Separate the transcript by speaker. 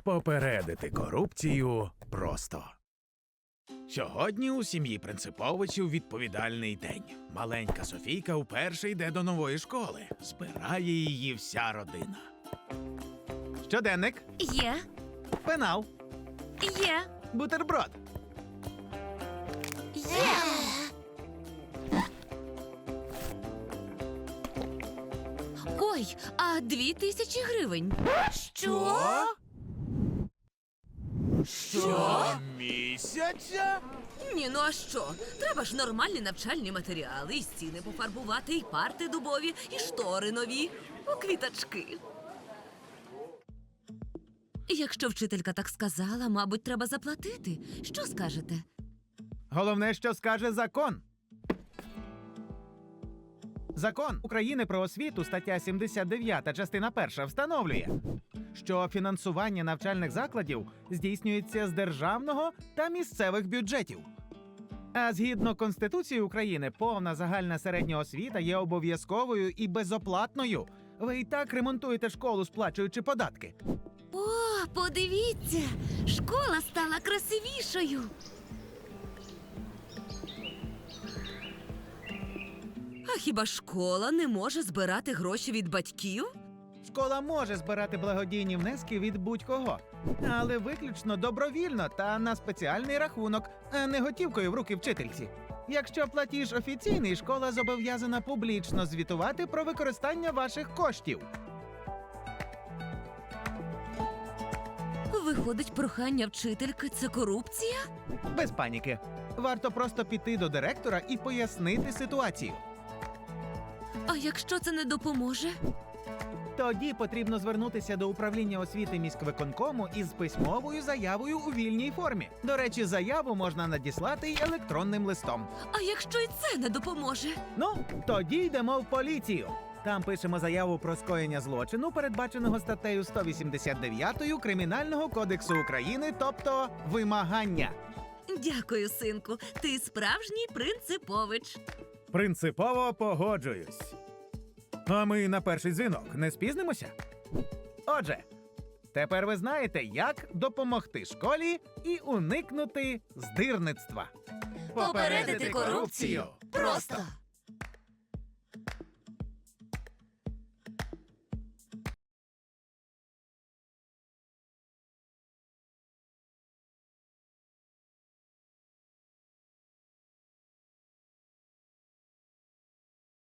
Speaker 1: Попередити корупцію просто. Сьогодні у сім'ї Принциповичів відповідальний день. Маленька Софійка вперше йде до нової школи. Збирає її вся родина. Щоденник,
Speaker 2: Є,
Speaker 1: пенал,
Speaker 2: є,
Speaker 1: бутерброд.
Speaker 2: є. Ой, а 2000 гривень. Що?
Speaker 1: Щомісяця?
Speaker 2: Ні, ну а що? Треба ж нормальні навчальні матеріали, і стіни пофарбувати, і парти дубові, і штори нові, у квіточки. Якщо вчителька так сказала, мабуть, треба заплатити. Що скажете?
Speaker 1: Головне, що скаже закон. Закон України про освіту, стаття 79, частина 1, встановлює, що фінансування навчальних закладів здійснюється з державного та місцевих бюджетів. А згідно Конституції України, повна загальна середня освіта є обов'язковою і безоплатною. Ви і так ремонтуєте школу, сплачуючи податки.
Speaker 2: О, подивіться! Школа стала красивішою. А хіба школа не може збирати гроші від батьків?
Speaker 1: Школа може збирати благодійні внески від будь-кого, але виключно добровільно та на спеціальний рахунок, а не готівкою в руки вчительці. Якщо платіж офіційний, школа зобов'язана публічно звітувати про використання ваших коштів.
Speaker 2: Виходить, прохання вчительки – це корупція?
Speaker 1: Без паніки. Варто просто піти до директора і пояснити ситуацію.
Speaker 2: А якщо це не допоможе?
Speaker 1: Тоді потрібно звернутися до управління освіти міськвиконкому із письмовою заявою у вільній формі. До речі, заяву можна надіслати й електронним листом.
Speaker 2: А якщо і це не допоможе?
Speaker 1: Ну, тоді йдемо в поліцію. Там пишемо заяву про скоєння злочину, передбаченого статтею 189 Кримінального кодексу України, тобто вимагання.
Speaker 2: Дякую, синку. Ти справжній принципович.
Speaker 1: Принципово погоджуюсь. А ми на перший дзвінок не спізнимося? Отже, тепер ви знаєте, як допомогти школі і уникнути здирництва.
Speaker 2: Попередити корупцію просто.